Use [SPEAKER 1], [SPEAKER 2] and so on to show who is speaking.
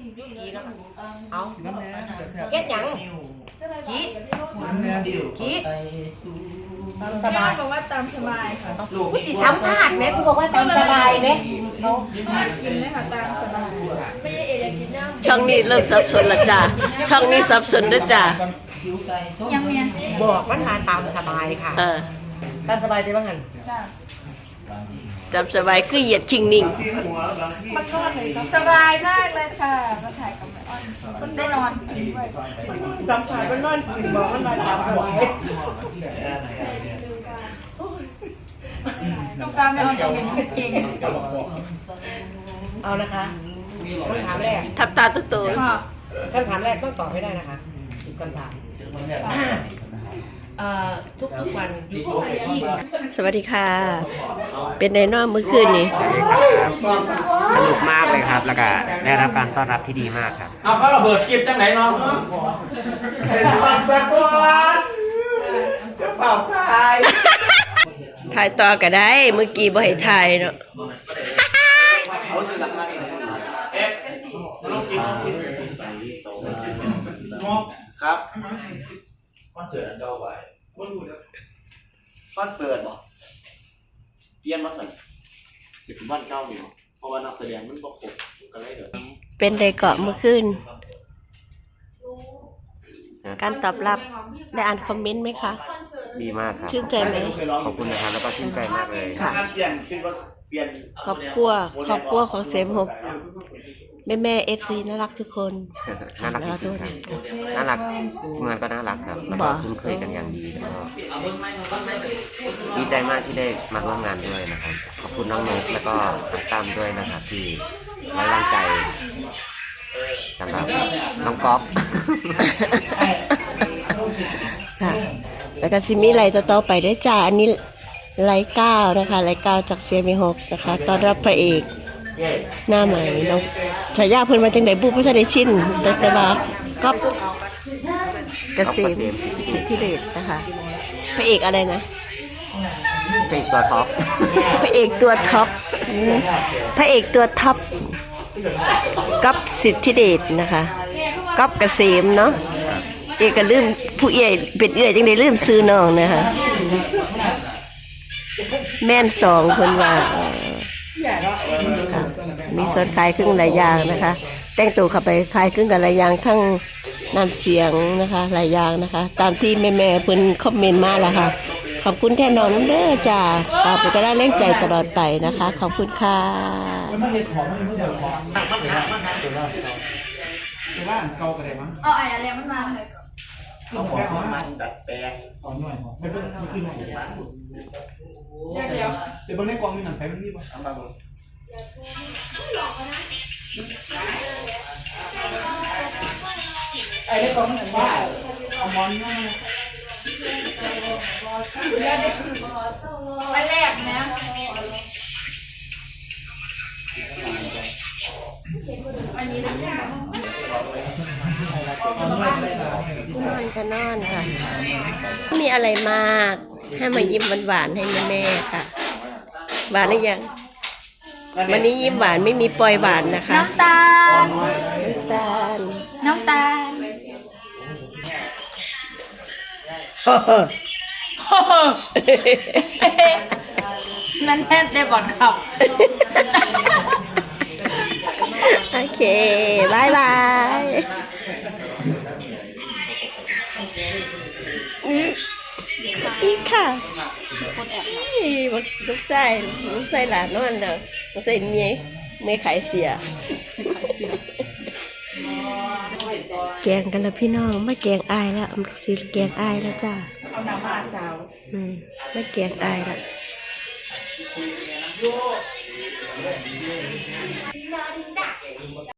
[SPEAKER 1] ยุกีแล้วเอาเก็ดยังกี้สบาย
[SPEAKER 2] บอกว่าตามสบายค่ะ
[SPEAKER 1] กูจิสัมภาษณ์ไหมกูบอกว่าตามสบายไหม
[SPEAKER 2] เขากินเลยค่ะตามสบายไม่ใช่เออยากกินน้ำ
[SPEAKER 3] ช่องนี้เริ่มสับสนละจ้าช่องนี้สับสนนะจ้า
[SPEAKER 2] ยังเมีย
[SPEAKER 1] บอกว่ามาตามสบายค่ะตามสบายได้บ้างหัน
[SPEAKER 3] จำสบายคือเหยียดคิงนิ่ง
[SPEAKER 2] มันนอนเลยสบายมากเลยค่ะมาถ่ายกับแม่อ้อนมันได้นอนกินด้วย
[SPEAKER 1] สัมผัสมันนอนกินบอกมันมาตามสบาย
[SPEAKER 2] ลูกสาวแม่อ้อนจะเป็นเก่ง
[SPEAKER 1] เอานะคะคำถามแรก
[SPEAKER 3] ทับตาตุ๊ตัว
[SPEAKER 1] คำถามแรกต้องตอบให้ได้นะคะ10 คำถามทุกวันอยู่ที่
[SPEAKER 3] สวัสดีค่ะเป็นไดโนเมื่อคืนนี้
[SPEAKER 4] สนุกมากเลยครับแล้วก็ได้รับการต้อนรับที่ดีมากครับ
[SPEAKER 5] เอาเขาระเบิดคลิปจังไหนน้องสักวันจะเป่า
[SPEAKER 3] ถ่ายต่อก็ได้เมื่อกี้บ่ให้ถ่ายเนาะ
[SPEAKER 5] ครับคอนเสิร์ตอันเก่าไปคอนเสิร์ตเหรอเปลี่ยนมาสั่นจะเป็นวันเก่าอยู่เพราะว่านักแสดงมันบ่ครบกันเลยเด้อ
[SPEAKER 3] เป็นไดเกาะเมื่อคืนการตอบรับได้อ่านคอมเมนต์ไหมคะ
[SPEAKER 4] ดีมากครับ
[SPEAKER 3] ชื่นใจไหม
[SPEAKER 4] ขอบคุณนะครับแล้วก็ชื่นใจมากเลย
[SPEAKER 3] ค่ะครอบครัวของเซมฮบแม่เอฟซีน่ารักทุกคน
[SPEAKER 4] น่ารักทุกคนน่ารักเมืองก็น่ารักครับแล้วก็คุ้นเคยกันอย่างดีแล้วก็ดีใจมากที่ได้มาร่วมงานด้วยนะครับขอบคุณน้องนกแล้วก็น้องตั้มด้วยนะครับที่ไว้วางใจสำหรับน้องก๊อฟ
[SPEAKER 3] ค่ะแล้วก็ซิมีไรต่อไปได้จ้าอันนี้ไลฟ์9นะคะไลฟ์9จากเซียมิฮกนะคะต้อนรับพระเอกหน้าใหม่น้องฉายาเพิ่นมาจังได๋บุ้บ่ได้ชินแต่ว่าก็เกษมสิทธิเดชนะคะพระเอกอะไรนะ
[SPEAKER 4] พระเอกตัวท็อป
[SPEAKER 3] พระเอกตัวท็อปพระเอกตัวท็อปกับสิทธิเดชนะคะกับเกษมเนาะเอกก็ลืมผู้เอื้อยเป็นเอื้อยจังได๋ลืมชื่อน้องนะคะแม่น2คนว่ามีส่วนคล้ายคลึงหลายอย่างนะคะแต่งตัวเข้าไปคล้ายคลึงกับหลายอย่างทั้งน้ำเสียงนะคะหลายอย่างนะคะตามที่แม่ๆเพิ่นคอมเมนต์มาแล้วค่ะขอบคุณแทนน้องน้ำเด้อจ้าตามไปก็ได้แรงใจตลอดไปนะคะขอบคุณค่ะ
[SPEAKER 2] เอาไอ้อะไรมันมาเลย
[SPEAKER 5] เอาของมันดัดแปลง
[SPEAKER 6] เอาหน่อยไม่ขึ้นหน่อยเดี๋ยวบางในกองมีหนังไฟมันมีป่ะเอามาบ่ไอ้ในกองมันหนังบ้าเอามอนมา
[SPEAKER 2] อันแรกนะอันนี้นะ
[SPEAKER 3] นอนค่ะมีอะไรมากให้มายิ้มหวานๆให้แม่ๆค่ะหวานหรือยังวันนี้ยิ้มหวานไม่มีปล่อยหวานนะคะ
[SPEAKER 2] น้ำตาลนั่นแทบได้บอดขับ
[SPEAKER 3] โอเคบายบายอีกค่ะลูกไส้หลานนอนเด้อลูกไส้เมียขายเสียแกงกันแล้วพี่น้องไม่แกงอายแล้วสิแกงอายแล้วจ้า
[SPEAKER 2] เอาน้ำมาสาว
[SPEAKER 3] ไม่แกงอายแล้ว